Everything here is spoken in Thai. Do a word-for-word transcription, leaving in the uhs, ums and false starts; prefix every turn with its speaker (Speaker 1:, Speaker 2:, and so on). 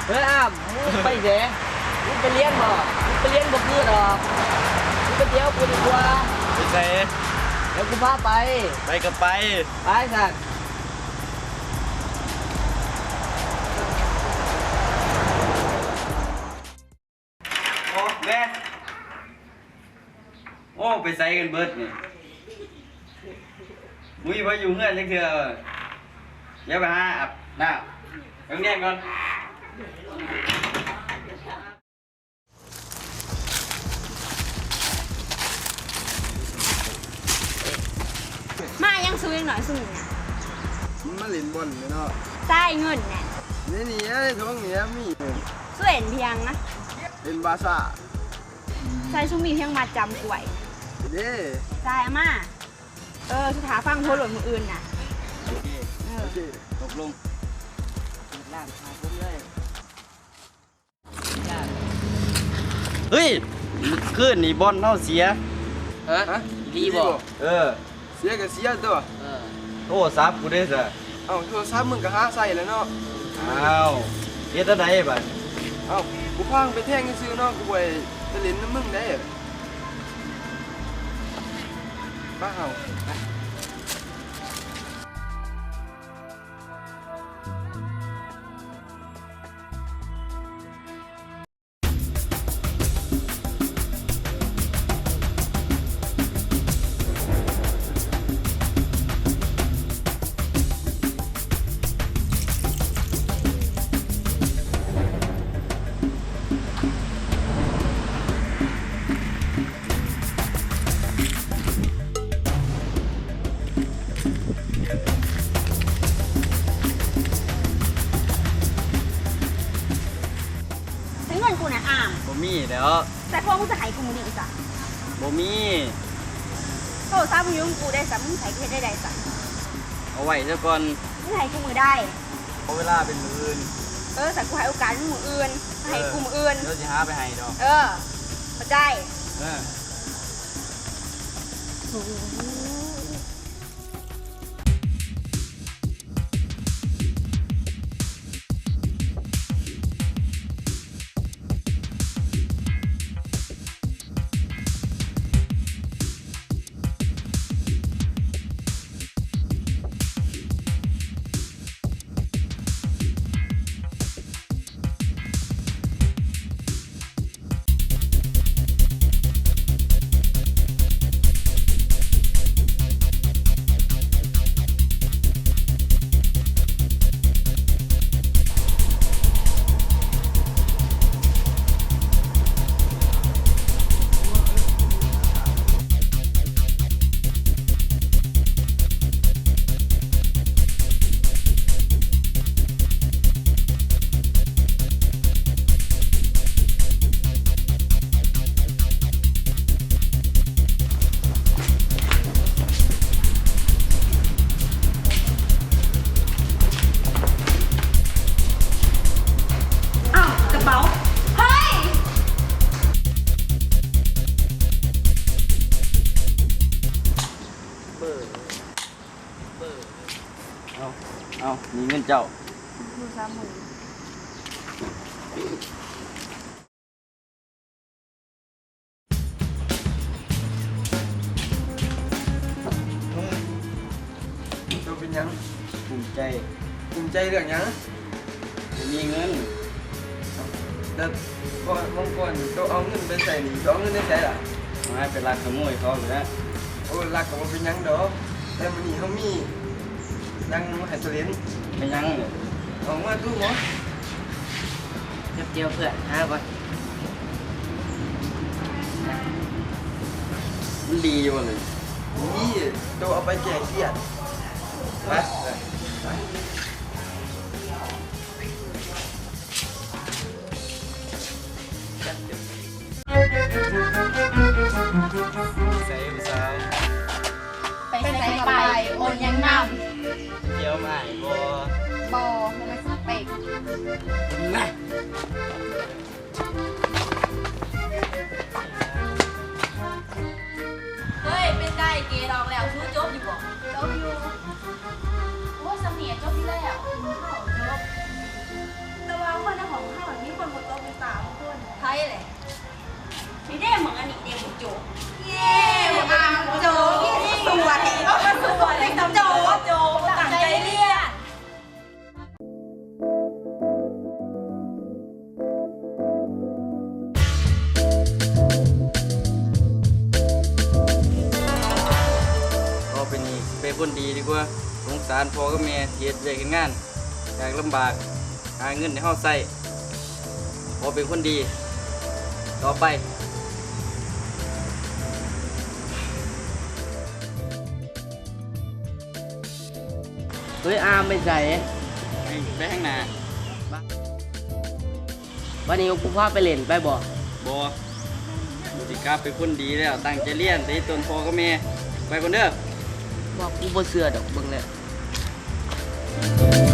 Speaker 1: เฮ้ยอ้ามมึงไปเสมึงไปเลี้ยงบ่มึงไปเลี้ยงบ่คือหรอกมึงไปเที่ยวกูดีกว่า
Speaker 2: ไปใส่
Speaker 1: เดี๋ยวกูพาไป
Speaker 2: ไปกับไป
Speaker 1: ไปสัก
Speaker 2: โอ้แม่โอ้ไปใส่กันเบิดนี่มุ้ยไปอยู่เงื่อนจังเถื่อเดี๋ยวไปหาอาบน้ำต้องแย่งก่อน
Speaker 3: มายังซื้อยังหน่อยซื้อเนี่ย
Speaker 4: มันมาเล่นบอลเนาะ
Speaker 3: ใต้เงินเนี่ย
Speaker 4: นี่นี่ไอ้ท้องเนี่ยมี
Speaker 3: ซื้อเห็นเพียงนะ
Speaker 4: เป็นบาซ่า
Speaker 3: ใช่ชุ่มมีเพียงมาจำกล้วย
Speaker 4: เด้
Speaker 3: ใช่อาม่าเออสุดท้ายฟังโทรหล่นมืออื่นน่ะ
Speaker 2: โอเคโอเคตกลง
Speaker 1: ล่างพาผมเลย
Speaker 2: เฮ้ยขึ้นนี่บอลเท่าเสีย
Speaker 1: ฮะดีบ่
Speaker 2: เออ
Speaker 4: เสียก็เสียตัว
Speaker 1: เออ
Speaker 2: โทรศัพท์กูได้ซะ
Speaker 4: เอ้าโทรศัพท์มึงก็หาใส่แล้วเนาะ
Speaker 2: อ้าวเฮ็ดอะไรบัด
Speaker 4: เอ้ากูพังไปแท่งซื้อเนาะกูไปจะเล่นน้ำมึงได้บ้าเฮา
Speaker 3: เงินกูนะอ่าม
Speaker 2: บ่มีแล้ว
Speaker 3: แต่พวกมึงจะหายกูมึงดีจ้ะ
Speaker 2: บ่มี
Speaker 3: โทรศัพท์มึงยุ่งกูได้จ้ะมึงใช้กูได้ได้จ้ะ
Speaker 2: เอาไว้ซะก่อน
Speaker 3: มึงใช้กูมือได้
Speaker 2: เอาเวลาเป็นมื้ออื่น
Speaker 3: เออแต่กูให้โอกาสมึงมืออื่นให้กูมืออื่น
Speaker 2: เดี๋ยวสิหาไปให้ดอก
Speaker 3: เออเข้าใจ
Speaker 2: เออเอาเอามีเงินเจ้า
Speaker 3: ดูซ้ำมือ
Speaker 4: เจ้าเป็นยัง
Speaker 2: ภูมิใจ
Speaker 4: ภูมิใจเรื่องยัง
Speaker 2: มีเงิน
Speaker 4: แต่ก่อนบางก่อนเจ้าเอาเงินไปใส่หนีเจ้าเอาเงินได้ใส่ล่ะ
Speaker 2: มาเป็นรักขโมยเขาอยู่แล้ว
Speaker 4: โอ้รักก็บ่เป็นยังดอกแต่มื้อนี้เฮามียังให้ตัวเล่น
Speaker 2: ไม่ยังเลย
Speaker 4: เอามาตู้หมอ
Speaker 1: เจียวเจียวเพื่อนหาก่อน
Speaker 2: มันดีอยู่เลย
Speaker 4: นี่เจ้าเอาไปแก้เครียดไปไป
Speaker 2: ใส่ผู้สาว
Speaker 3: ไปใส่ไปโอนยังนำ
Speaker 2: เที่ยวใหม่บ่
Speaker 3: บอมันไม่สเปก
Speaker 2: นะ
Speaker 3: เฮ้ยเป็นได้เกดองแล้วชู้จบอยู่บ่จบอยู่โอ้สมียจบที่แล้วจบแต่ว่าคนในของ
Speaker 5: ว้เลยนี่ได้เหมือนอันนี้เด็กโจเย้อ่ะโจพี่สวยก็สวยเลยโจโจตั้งใจเรียน
Speaker 2: ก็เป็นนี่เป็นคนดีดีกว่าสงสารพ่อกับแม่เทียดเรียกงานอยากลำบากหาเงินในห้องใส่พอเป็นคนดี ต่อไป
Speaker 1: เฮ้ยอามไม่ใส่
Speaker 2: ไปข้างหน้า
Speaker 1: วันนี้กูพาไปเล่นไปบ่
Speaker 2: บอบุติกาเป็นคนดีแล้วตั้งใจเรียนตีตนพ่อกับแม่ไปคนเด้อ
Speaker 1: บอกกูบ่เชื่อดอกเบิ่งแล้ว
Speaker 2: ไ